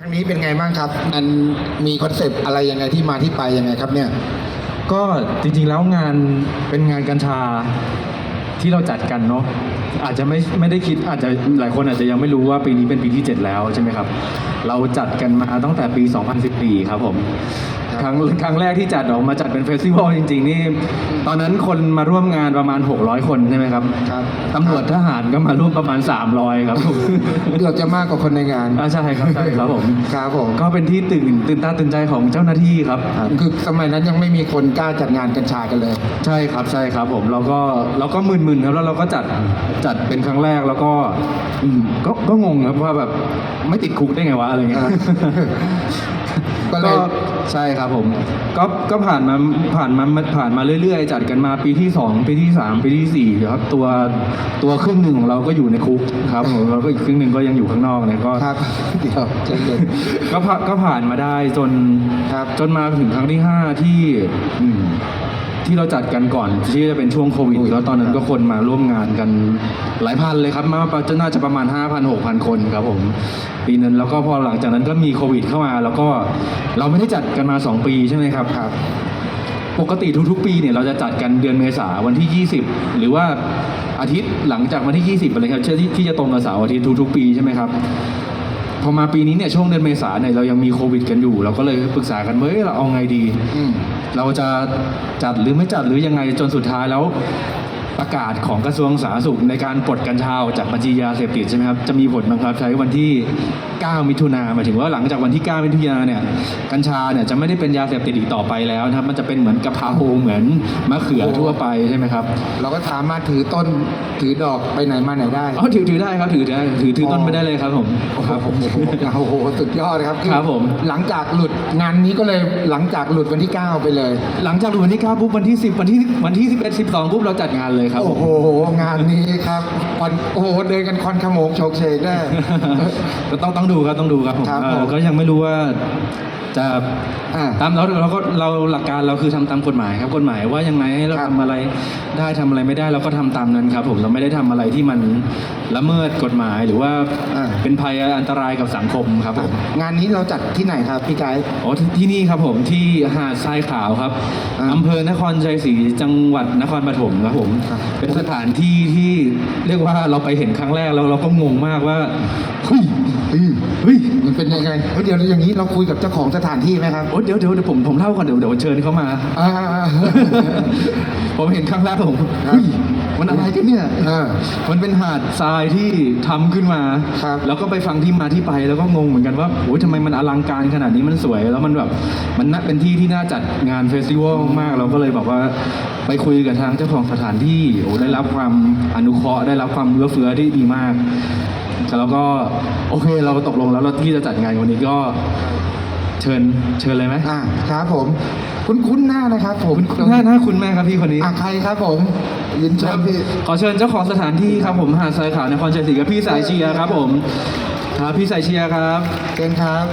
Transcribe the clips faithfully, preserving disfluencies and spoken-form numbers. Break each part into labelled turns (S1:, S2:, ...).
S1: ครั้งนี้เป็นไงบ้างครับมันมีคอนเซปต์อะไรยังไงที่มาที่ไปยังไงครับเนี่ย
S2: ก็จริงๆแล้วงานเป็นงานกัญชาที่เราจัดกันเนาะอาจจะไม่ไม่ได้คิดอาจจะหลายคนอาจจะยังไม่รู้ว่าปีนี้เป็นปีที่เจ็ดแล้วใช่ไหมครับเราจัดกันมาตั้งแต่ปีสองพันสิบสี่ครับผมครั้งครั้งแรกที่จัดออกมาจัดเป็นเฟสติวัลจริงๆนี่ตอนนั้นคนมาร่วมงานประมาณหกร้อยคนใช่ไหมครับ
S1: ครับ
S2: ตำรวจทหารก็มาร่วมประมาณสามร้อยครับผม
S1: เกือบจะมากกว่าคนในงาน
S2: อ่าใช่ครับใช่ครับผม
S1: ครับผม
S2: ก็เป็นที่ตื่นตื่นตาตื่นใจของเจ้าหน้าที่ครับ
S1: คือสมัยนั้นยังไม่มีคนกล้าจัดงานกัญชากันเลย
S2: ใช่ครับใช่ครับผมเราก็เราก็มึนๆครับแล้วเราก็จัดจัดเป็นครั้งแรกแล้วก็อืมก็ก็งงครับว่าแบบไม่ติดคุกได้ไงวะอะไรเงี้ยก็ใช่ครับผมก็ก็ผ่านมาผ่านมาผ่านมาเรื่อยๆจัดกันมาปีที่สองปีที่สามปีที่สี่ครับตัวตัวครึ่งหนึ่งของเราก็อยู่ในคุกครับผมเราก็อีกครึ่งหนึ่งก็ยังอยู่ข้างนอกเนี่ยก็
S1: ครับเดี๋ยวใจเย็น
S2: ก็ก็ผ่านมาได้จน
S1: ครับ
S2: จนมาถึงครั้งที่ห้าที่อืมที่เราจัดกันก่อนที่จะเป็นช่วงโควิดแล้วตอนนั้นก็คนมาร่วมงานกันหลายพันเลยครับมาจะน่าจะประมาณ ห้าพัน หกพัน คนครับผมปีนั้นแล้วก็พอหลังจากนั้นก็มีโควิดเข้ามาแล้วก็เราไม่ได้จัดกันมาสองปีใช่ไหมครับ
S1: ครับ
S2: ปกติทุกๆปีเนี่ยเราจะจัดกันเดือนเมษาวันที่ยี่สิบหรือว่าอาทิตย์หลังจากวันที่ยี่สิบอะไรครับที่ที่จะตรงกับเสาร์อาทิตย์ทุกๆปีใช่ไหมครับพอมาปีนี้เนี่ยช่วงเดือนเมษาเนี่ยเรายังมีโควิดกันอยู่เราก็เลยปรึกษากันว่าเฮ้ยเราเอาไงดีเราจะจัดหรือไม่จัดหรือยังไงจนสุดท้ายแล้วประกาศของกระทรวงสาธารณสุขในการปลดกัญชาจากบัญชียาเสพติดใช่ไหมครับจะมีผลบังคับใช้วันที่เก้ามิถุนายนหมายถึงว่าหลังจากวันที่เก้ามิถุนายนเนี่ยกัญชาเนี่ยจะไม่ได้เป็นยาเสพติดอีกต่อไปแล้วนะครับมันจะเป็นเหมือนกะเพราเหมือนมะเขือทั่วไปใช่ไหมครับ
S1: เราก็สามารถถือต้นถือดอกไปไหนมาไหนได้
S2: อ๋อถือถือได้ครับถือได้ถือถือต้นไปได้เลยครับผม
S1: ครับผมโอ้โหสุดยอดครับ
S2: ครับผม
S1: หลังจากหลุดงานนี้ก็เลยหลังจากหลุดวันที่เก้าไปเลย
S2: หลังจากหลุดวันที่เก้าปุ๊บวันที่สิบวันที่วันที่สิบเอ็ด สิบสองปุ๊บเราจัดงานเลยครับ
S1: โอ้โหงานนี้ครับคอนโอ้โหเดินกันคอนขโมงโชกเชกได้
S2: ก็ต้องต้องดูครับต้องดูครับผมก็ยังไม่รู้ว่าจะตามเราเราก็เราหลักการเราคือทำตามกฎหมายครับกฎหมายว่ายังไงให้เราทำอะไรได้ทำอะไรไม่ได้เราก็ทำตามนั้นครับผมเราไม่ได้ทำอะไรที่มันละเมิดกฎหมายหรือว่าเป็นภัยอันตรายกับสังคมครับผม
S1: งานนี้เราจัดที่ไหนครับพี่ไกด์
S2: อ๋อที่นี่ครับผมที่หาดทรายขาวครับอำเภอนครชัยศรีจังหวัดนครปฐมครับผมเป็นสถานที่ที่เรียกว่าเราไปเห็นครั้งแรกแล้วเราก็งงมากว่าเฮ้ย
S1: เฮ้ยมันเป็นยังไงเดี๋ยวอย่างนี้เราคุยกับเจ้าของสถานที่ไหมครับ
S2: โอ้เดี๋ยวเดี๋ยวผมผมเล่าก่อนเดี๋ยวเดี๋ยวเชิญเขามาผมเห็นครั้งแรกผมมันอะไรกันเนี่ยมันเป็นหาดทรายที่ทำขึ้นมาแล้วก็ไปฟังที่มาที่ไปแล้วก็งงเหมือนกันว่าโอ้ยทำไมมันอลังการขนาดนี้มันสวยแล้วมันแบบมันน่าเป็นที่ที่น่าจัดงานเฟสติวัลมากเราก็เลยบอกว่าไปคุยกับทางเจ้าของสถานที่โอ้ได้รับความอนุเคราะห์ได้รับความเอื้อเฟื้อที่ดีมากแล้วก็โอเคเราตกลงแล้วเราที่จะจัดงานวันนี้ก็เชิญเชิญเลยไหม
S1: อ่าครับผมคุ้นคุ้นหน้านะครับผม
S2: หน้าหน้าคุณแม่ครับพี่คนนี้
S1: อ่ะใครครับผมยินเชิญพี่
S2: ขอเชิญเจ้าของสถานที่ครับผมหาดทรายขาวนครชัยศรีกับพี่สายเชียร์ครับผมครับพี่สายเชียร์ครับ
S1: เชิญครับ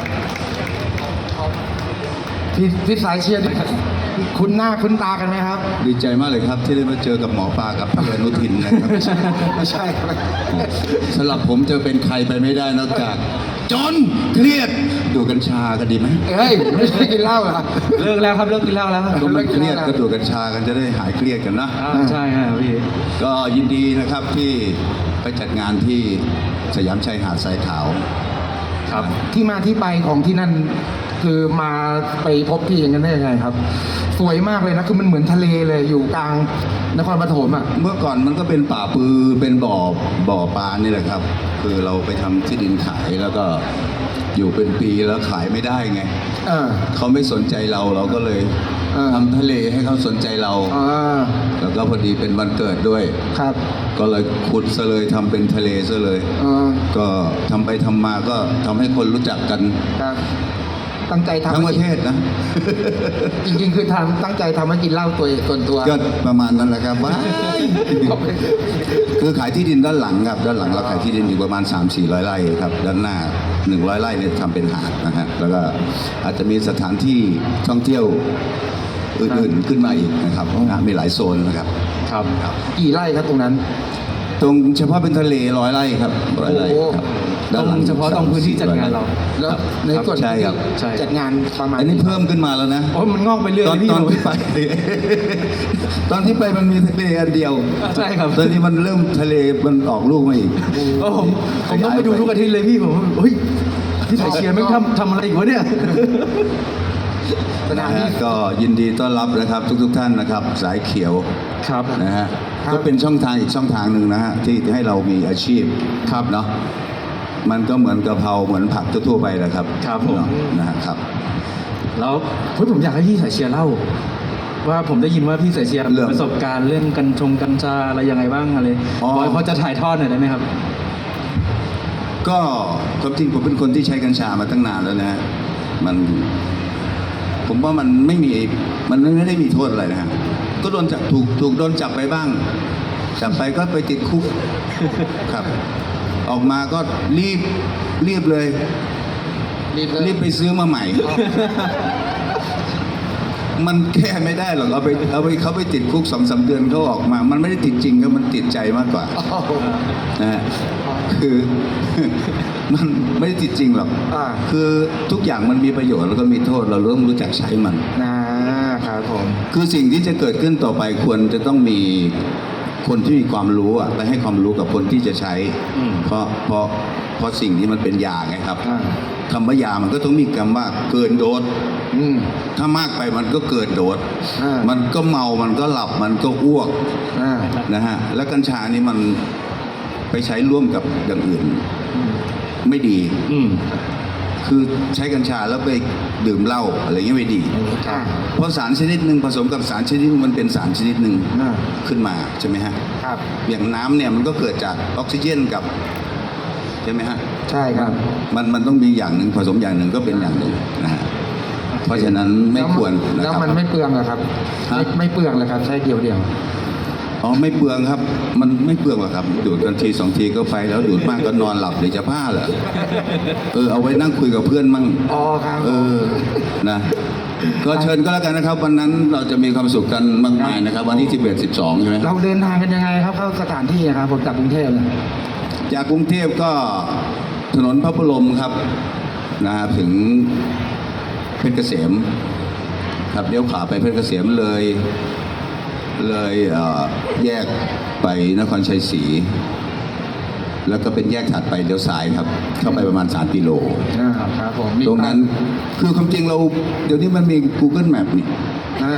S1: พี่พี่สายเชียร์คุณหน้าคุณตากันไหมครับ
S3: ดีใจมากเลยครับที่ได้มาเจอกับหมอปลากับพี่อนุทินนะครับ
S1: ไม่ใช่ไม่ใช่
S3: สำหรับผมจะเป็นใครไปไม่ได้นอกจากจนเครียดดูกัญชากันดีไหม
S1: เฮ้ยไม่ใช่กินเหล้าเหรอ
S2: เลิกแล้วครับเลิกกินเหล้าแล้ว
S3: ก็ไม่เครียดก็ดูกัญชากันจะได้หายเครียดกันนะ
S2: ใช่ครับพี่
S3: ก็ยินดีนะครับที่ไปจัดงานที่สยามชายหาดทรายขาว
S1: ครับที่มาที่ไปของที่นั่นคือมาไปพบพี่อย่างนั้นได้ยังไงครับสวยมากเลยนะคือมันเหมือนทะเลเลยอยู่กลางนครปฐมอ่ะ
S3: เมื่อก่อนมันก็เป็นป่าปือเป็นบ่อบ่อปลานี่แหละครับคือเราไปทำที่ดินขายแล้วก็อยู่เป็นปีแล้วขายไม่ได้ไงเขาไม่สนใจเราเราก็เลยทำทะเลให้เขาสนใจเราแล้วก็พอดีเป็นวันเกิดด้วย
S1: ครับ
S3: ก็เลยขุดซะเลยทำเป็นทะเลซะเลยก็ทำไปทำมาก็ทำให้คนรู้จักกัน
S1: ตั้งใจทำ
S3: ทั้งประเทศนะ
S1: จริงๆคือทำตั้งใจทำให้กินเหล้าตัวส่วนตัว
S3: ก็ประมาณนั้นแหละครับว่าคือขายที่ดินด้านหลังครับด้านหลังเราขายที่ดินอยู่ประมาณ สามสี่ร้อย ไร่ครับด้านหน้าหนึ่งร้อยไร่เนี่ยทำเป็นหาดนะฮะแล้วก็อาจจะมีสถานที่ท่องเที่ยวอื่นๆขึ้นมาอีกนะครับมีหลายโซนนะครับ
S1: ครับกี่ไร่ครับตรงนั้น
S3: ตรงเฉพาะเป็นทะเลร้อยไร่ครับร้อยไร่ครับด้านหลัง
S2: เฉพาะตรงพื้นที่จัดงานเรา
S1: แล้วในส่วน
S3: ใช่ครับ
S2: ใช่
S1: จัดงานประมาณ
S3: อันนี้เพิ่มขึ้นมาแล้วนะ
S2: โอ้ยมันงอกไปเรื่อย
S3: ตอน
S2: เลยพี่
S3: ตอนที่ไป ตอนที่ไปมันมีทะเลอันเดียว
S2: ใช่ครับ
S3: ตอนนี้มันเริ่มทะเลมันออกลูกมาอีก
S2: โอ้ผมผมต้องไปดูทุกอาทิตย์เลยพี่ผมเฮ้ยพี่สายเชียร์ไม่งทำทำอะไรอีกวะเนี่ย
S1: สนาม
S3: นะ
S1: นี้
S3: ฮะก็ยินดีต้อนรับนะครับทุกๆท่านนะครับ สายเขียว
S2: ครับ
S3: นะฮะ
S1: ครับ
S3: ก็เป็นช่องทางอีกช่องทางหนึ่งนะฮะที่ให้เรามีอาชีพ
S2: ครับ
S3: เนาะมันก็เหมือนกะเพราเหมือนผักทั่วๆไปแหละครับ
S2: ครับผม
S3: เนาะนะฮะครับ
S2: แล้วเฮ้ยผมอยากให้พี่สายเชียร์เล่า ว่าผมได้ยินว่าพี่สายเชียร์
S3: เรื่อง
S2: มีประสบการณ์เรื่องกัญชงกัญชาอะไรยังไงบ้างอะไร
S3: อ๋อ
S2: พอพอจะถ่ายทอดหน่อยได้ไหมครับ
S3: ก็ความจริงผมเป็นคนที่ใช้กัญชามาตั้งนานแล้วนะฮะมัน ผมว่ามันไม่มีมันไม่ได้มีโทษอะไรนะฮะก็โดนจับถูกถูกโดนจับไปบ้างจับไปก็ไปติดคุก ครับ ออกมาก็รีบรีบเลย
S1: รีบเลย
S3: รีบไปซื้อมาใหม่ มันแก้ไม่ได้หรอกเอาไปเอาไปเขาไปติดคุกสองสามเดือนเขาออกมา มันไม่ได้ติดจริงครับมันติดใจมากกว่า
S1: โอ้โห
S3: นะฮะคือ มันไม่ได้ติดจริงหรอก
S1: อ่า
S3: คือทุกอย่างมันมีประโยชน์แล้วก็มีโทษเราต้องรู้จักใช้มัน
S1: นะครับผม
S3: คือสิ่งที่จะเกิดขึ้นต่อไปควรจะต้องมีคนที่มีความรู้อะไปให้ความรู้กับคนที่จะใช้
S2: อืม
S3: เพราะเพราะเพราะสิ่งนี้มันเป็นยาไงครับ
S1: อ่า
S3: คำว่ายามันก็ต้องมีคำว่าเกินโดส
S1: อืม
S3: ถ้ามากไปมันก็เกินโดส
S1: อ่ามั
S3: มันก็เมามันก็หลับมันก็อ้วก
S1: อ่า
S3: นะฮะแล้วกัญชานี่มันไปใช้ร่วมกับอย่างอื่น ไม่ดี
S2: อืม
S3: คือใช้กัญชาแล้วไปดื่มเหล้าอะไรเงี้ยไม่ดี
S1: อ่า
S3: เพราะสารชนิดหนึ่งผสมกับสารชนิดหนึ่งมันเป็นสารชนิดหนึ่ง
S1: อ่า
S3: ขึ้นมาใช่ไหมฮะ
S1: ครับ
S3: อย่างน้ำเนี่ยมันก็เกิดจากออกซิเจนกับใช่ไหมฮะ
S1: ใช่ครับ
S3: มันมันต้องมีอย่างหนึ่งผสมอย่างหนึ่งก็เป็นอย่างหนึ่งนะฮะเพราะฉะนั้นไม่ควรนะ
S1: แล้ว
S3: ครับ
S1: มันไม่เปลืองเหรอครับ
S3: ฮะ
S1: ไม่ไม่เปลืองเลยครับ ใช้เดียวเดียว
S3: อ๋อไม่เปลืองครับ มันไม่เปลืองหรอกครับ ดูดกันทีสองทีก็ไปแล้วดูดมากก็นอนหลับหรือจะบ้าเหรอเออเอาไว้นั่งคุยกับเพื่อนมั่ง
S1: อ๋อครับ
S3: เออ นะ ก็เชิญก็แล้วกันนะครับ วันนั้นเราจะมีความสุขกันมากมายนะครับ วันที่สิบเอ็ด สิบสองใช่ไหม
S1: เราเดินทางกันยังไงครับ เข้าสถานที่นะครับผมจากกรุงเทพเนี่ย
S3: จากกรุงเทพก็ถนนพระบรมครับนะครับถึงเพชรเกษม ครับเลี้ยวขวาไปเพชรเกษมเลย เลยเอ่อแยกไปนครชัยศรีแล้วก็เป็นแยกถัดไปเลี้ยวซ้ายครับ เข้าไปประมาณสามกิโล
S1: อ่าครับผมมี
S3: ตรงนั้นคือความจริงเราเดี๋ยวนี้มันมี Google Map นี่
S1: อ่า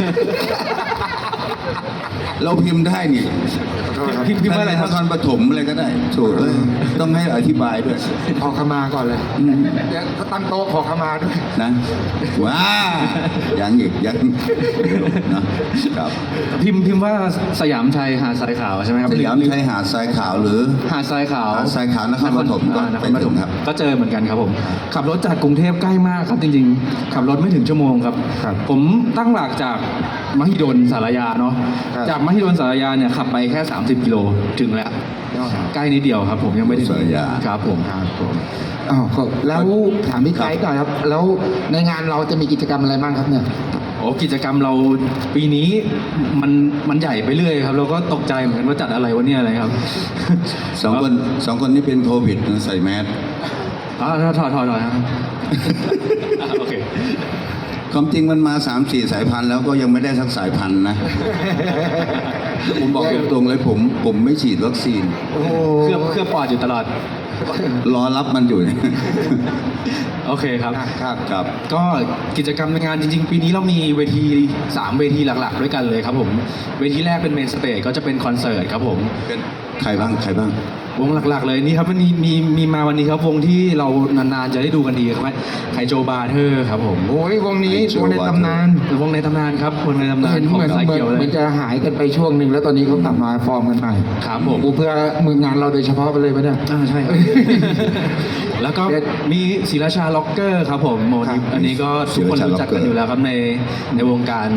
S3: เราพิมพ์ได้นี่
S1: ขอโทษครับ
S2: พิมพ์พิมพ์ว่าอะไรครับ
S3: นครปฐมอะไรก็ได้โถเอ้ยต้องให้อธิบายด้วย
S1: ขอขมาก่อนเลย
S3: อืม
S1: เดี๋ยวตั้งโต๊ะขอขมาด้วย
S3: นะว้ายังอีกยังนะครับ
S2: พิมพ์พิมพ์ว่าสยามชัยหาดทรายขาวใช่ไหมครับ
S3: สยามชัยหาดทรายขาวหรือ
S2: หาดทรายขาว
S3: หาดทรายขาวนครปฐมก็
S2: อ่านค
S3: ไป
S2: รป
S3: ถึ
S2: ฐ
S3: ง
S2: ม
S3: ครับ
S2: ก็เจอเหมือนกันครับผม ขับรถจากกรุงเทพใกล้มากครับจริงๆ ขับรถไม่ถึงชั่วโมงครับ
S1: ครับ
S2: ผมตั้งหลักจากมหิดลสารยาเนาะ
S1: ครับ
S2: จากมหิดลสารยาเนี่ยขับไปแค่ สามสิบกิโลถึงแล้ว ใกล้นิดเดียวครับ ผมยังไม่ถึง
S3: สารยา
S2: ครับผม
S1: ครับผมอ๋อครับแล้วถามพี่ไกด์ก่อนครับ แล้วในงานเราจะมีกิจกรรมอะไรบ้างครับเนี่ย
S2: โอ้กิจกรรมเราปีนี้มันมันใหญ่ไปเรื่อยครับ เราก็ตกใจเหมือนกันว่าจัดอะไรวะเนี่ยอะไรครับ
S3: สองคนสองคนนี้เป็นโควิดนะใส่แมส
S2: อ๋อถอดถอดถอดถอดครับ อ่ะโอเค
S3: ความจริงมันมาสามสี่สายพันธุ์แล้วก็ยังไม่ได้สักสายพันธุ์นะ ผมบอกตรงๆเลยผมผมไม่ฉีดวัคซีน
S1: โอ้โห
S2: เคลือบเคลือบปอดอยู่ตลอด
S3: รอรับมันอยู่เนี่ย
S2: โอเคครับ
S1: ครับ
S3: ครับ
S2: ก็กิจกรรมในงานจริงๆ ปีนี้เรามีเวทีสามเวทีหลักๆ ด้วยกันเลยครับผม เวทีแรกเป็นเมนสเตจก็จะเป็นคอนเสิร์ตครับผม
S3: เป็นใครบ้างใครบ้าง
S2: วงหลักๆเลยนี่ครับวันนี้มีมีมาวันนี้ครับวงที่เรานานๆจะได้ดูกันดีครับไคโจบาร์เทอร์ครับผม
S1: โอ้ยวงนี้
S3: ไอ้โชว์
S1: วงในตำนาน
S2: วงในตำนานครับวงในตำนาน
S1: เห็น
S2: ของ
S1: เหมือน
S2: สาย
S1: เหมือน
S2: เขียวเล
S1: เหมื
S2: ย
S1: อนจะหายกันไปช่วงหนึ่งแล้วตอนนี้เขากลับมาฟอร์มกันใหม่
S2: ครับผม
S1: กูเพื่อมืองานเราโดยเฉพาะไปเลยปะเนี่ย
S2: อ่าใช่ครับ แล้วก็มีศิราชาล็อกเกอร์ครับผมโม
S1: ครั
S2: นิ
S1: บ
S2: อันนี้ก็ทุกคนรู้จักกันอยู่แล้วครับในในวงการ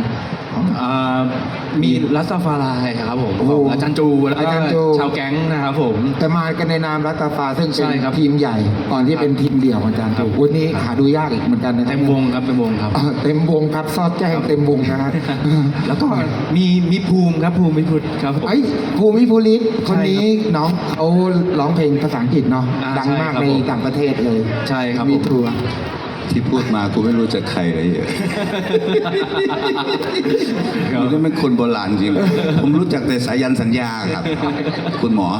S2: อ่ามีรัสตาฟารายครับผม
S1: โอ้โห
S2: ของอาจารย์จูแล้วก็
S1: อาจารย์จู
S2: ชาวแก๊งนะครับผม
S1: แต่มากันในนามรัตตาฟาซึ่งเป็
S2: ใช่
S1: น
S2: ครับ
S1: ทีมใหญ่ก่อนที่เป็นทีมเดี่ยวของอาจารย์
S2: ครั
S1: จู
S2: บ
S1: วันนี้หาดูยากอีกเหมือนกันนะครับ
S2: เต็มวงครับเต็มวงครับ
S1: เออเต็มวงครับซอดแจ้งเต็มวงนะฮะ
S2: แล้วก็มีมีภูมิครับภูมิพิพุทธครับผม
S1: ไอ้ยภูมิภูริศคนนี้
S2: ใช่ครับ
S1: น้องเขาร้องเพลงภาษาอังกฤษเนาะ
S2: อ่า
S1: ดังมาก
S2: ใช่ครับ
S1: ใน
S2: ผม
S1: ต่างประเทศเลย
S2: ใช่ครับ
S1: มี
S2: ผม
S1: ทัวร์
S3: ที่พูดมากูไม่รู้จักใครเลย
S2: ครับ
S3: มันเป็นคนโบราณจริง ผมรู้จักแต่สายันสัญญาครับ คุณหมอ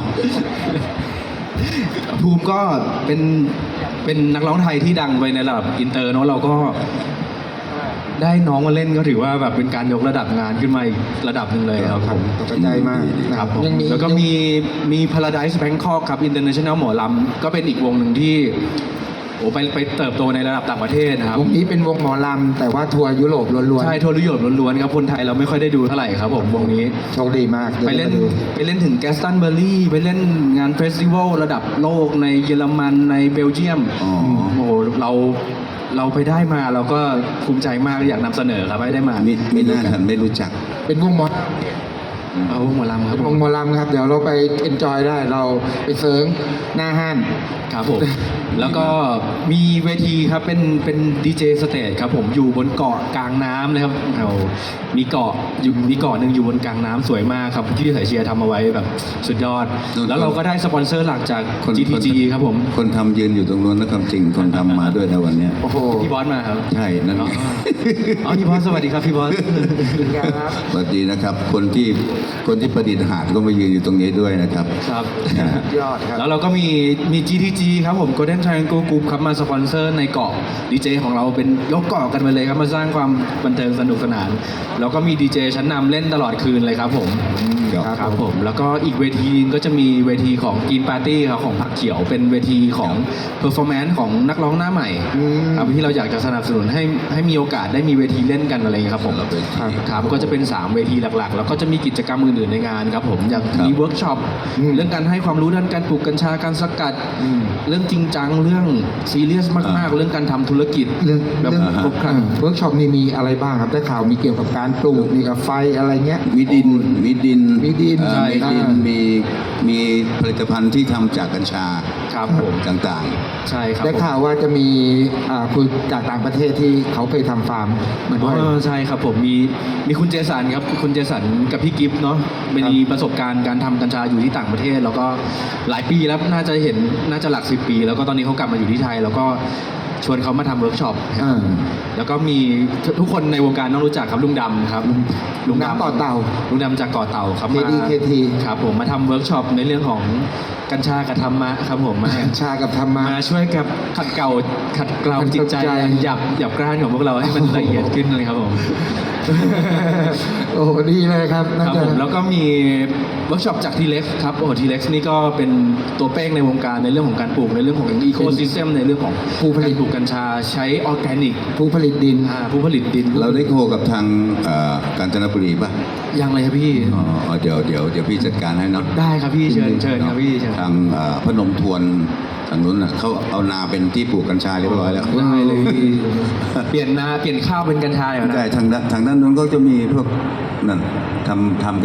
S2: ภูมิก็เป็นเป็นนักร้องไทยที่ดังไปในระดับอินเตอร์เนาะเราก็ได้น้องมาเล่นก็ถือว่าแบบเป็นการยกระดับงานขึ้นมาอีกระดับหนึ่งเลยครับผม
S1: ตกใจมากนะ
S2: ค
S1: ค
S2: รั
S1: รั
S2: บบ ผม
S1: ยังมี
S2: แล้วก็มีมี Paradise Bangkok ครับ International หมอลำก็เป็นอีกวงหนึ่งที่โอ้ไปไปเติบโตในระดับต่างประเทศนะครับ
S1: วงนี้เป็นวงหมอลำแต่ว่าทัวร์ยุโรปล้วน
S2: ใช่ทัวร์ยุโรปล้วนๆครับคนไทยเราไม่ค่อยได้ดูเท่าไหร่ครับผมวงนี้
S1: ๆโชคดีมาก
S2: ไปเล่น
S1: ดี๋ยว
S2: ไปเล่นถึงแกสตันเบอร์รี่ไปเล่นงานเฟสติวัลระดับโลกในเยอรมันในเบลเยียม
S3: อ๋อ
S2: โอ้โหเราเราไปได้มาเราก็ภูมิใจมากอยากนำเสนอครับให้ได้มา
S3: มิไม่น่าทันไม่รู้จัก
S1: เป็นวงหมอ
S2: เอาหมอลำครับ
S1: เป็น
S2: ผ
S1: วง
S2: ม
S1: หมอลำครับ เดี๋ยวเราไปเอนจอยได้เราไปเซิร์งหน้าห้าน
S2: ครับผม แล้วก็มีเวทีครับเป็นเป็นดีเจสเตจครับผมอยู่บนเกาะกลางน้ำเลยครับเรามีเกาะอยู่มีเกาะหนึ่งอยู่บนกลางน้ำสวยมากครับที่สายเชียร์ทำเอาไว้แบบสุดยอด แล้วเราก็ได้สปอนเซอร์หลักจาก
S3: คน
S2: จี ที จี ครับผม
S3: คนทำยืนอยู่ตรงนู้นนะความจริงคนทำมาด้วยนะวันเนี้ย
S1: โอ้โห
S2: พี่บอสมาครับ
S3: ใช่นั่น
S2: อ๋อ
S3: ไง
S2: อ๋อพี่บอสสวัสดีครับพี่บอส
S1: ครับ
S3: สวัสดีนะครับ คนที่คนที่ประดิษฐ์หาดก็มายืนอยู่ตรงนี้ด้วยนะครับ
S2: ครับ
S1: ยอดครับ
S2: แล้วเราก็มีมี จี ที จี ครับผม Golden Triangle Group ครับมาสปอนเซอร์ในเกาะดีเจของเราเป็นยกเกาะกันไปเลยครับมาสร้างความบันเทิงสนุกสนาน แล้วก็มีดีเจชั้นนำเล่นตลอดคืนเลยครับผม
S3: ครับ
S2: ครับผม แล้วก็อีกเวทีนึงก็จะมีเวทีของกินปาร์ตี้ครับของผักเขียวเป็นเวทีของเพอร์ฟอร์แมนซ์ของนักร้องหน้าใหม่
S1: อืม
S2: ครับที่เราอยากจะสนับสนุนให้ให้มีโอกาสได้มีเวทีเล่นกันอะไรอย่างเงี้ยครับผม
S3: เราไป
S1: ครับ
S2: ครับก็จะเป็นสามเวทีหลักๆ แล้วก็จะมีกิจกรรมอื่นๆในงานครับผมอย่าง
S3: ครับ
S2: มีเวิร์กช็อป
S1: อืม
S2: เรื่องการให้ความรู้ด้านการปลูกกัญชาการสกัด
S1: อืม
S2: เรื่องจริงจังเรื่องซีเรียสมากๆ เรื่องการทำธุรกิจ
S1: เรื่อง
S2: แบบ
S1: เรื่อง
S2: ครบครัน
S1: เวิร์กช็อปนี่มีอะไรบ้างครับได้ข่าวมีเกี่ยวกับการปลูกมีกับไฟอะไรเงี้ย
S3: มีดินมีดิน
S1: มีดิน
S3: เอ่อ
S1: ใช่
S3: มีดิน
S1: อ่ามี
S3: มีมีผลิตภัณฑ์ที่ทำจากกัญชา
S2: ครับผม
S3: ต่าง
S2: ใช่ครับ
S1: ได้
S2: ผม
S1: ข่าวว่าจะมีอ่าคุยจากต่างประเทศที่เขาเคยทำฟาร์มมาด้วย
S2: อ๋อใช่ครับผมมีมีคุณเจสันครับคุณเจสันกับพี่กิฟต์เนาะมีประสบการณ์การทำกัญชาอยู่ที่ต่างประเทศ แล้วก็หลายปีแล้วน่าจะเห็นน่าจะหลักสิบปี แล้วก็ตอนนี้เขากลับมาอยู่ที่ไทย แล้วก็ชวนเขามาทำเวิร์กช็อป
S1: อ่า
S2: แล้วก็มีทุกคนในวงการต้องรู้จักครับลุงดำครับ
S1: ลุงดำเกาะเต่า
S2: ลุงดำจากเกาะเต่าครับ
S1: เค
S2: มา
S1: ดี เคที
S2: ครับผมมาทำเวิร์กช็อปในเรื่องของกัญชากับธรรมะครับผมมา
S1: ชากับธรรมะ
S2: มาช่วยกับขัดเกลาขัดเกลา
S1: ขัดเกลา
S2: จิตใจ
S1: ใจ
S2: หยับหยับกร้านของพวกเราให้มันละเอียดขึ้นเลยครับผม
S1: โอ้โหดีเลยครับ
S2: ค
S1: น่า
S2: รับ
S1: จะ
S2: ผมแล้วก็มีเวิร์กช็อปจากทีเล็กครับโอ้ทีเล็กนี่ก็เป็นตัวเป้งในวงการในเรื่องของการปลูกในเรื่องของอีโคซิสเต็มในเรื่องของ
S1: ผู้ผลิต
S2: การปลูกกัญชาใช้ออร์แกนิก
S1: ผู้ผลิตดิน
S2: อ่าผู้ผลิตดิน
S3: ๆ เราได้โคกับทางเอ่อกาญจนบุรีป่ะ
S2: ยังเลยครับพี่
S3: อ๋อเดี๋ยวเดี๋ยวเดี๋ยวพี่จัดการให้เนาะ
S2: ได้ครับพี่เชิญเชิญครับพี่เชิญ
S3: ทางเอ่อพนมทวนทางนู้นน่ะเขาเอานาเป็นที่ปลูกกัญชาเรียบร้อยแล้ว
S2: ได้เลยพี่เปลี่ยนนาเปลี่ยนข้าวเป็นกัญชาเลยนะ
S3: ใช่ทางด้านทางด้านนู้นก็จะมีพวกนั่นทำทำ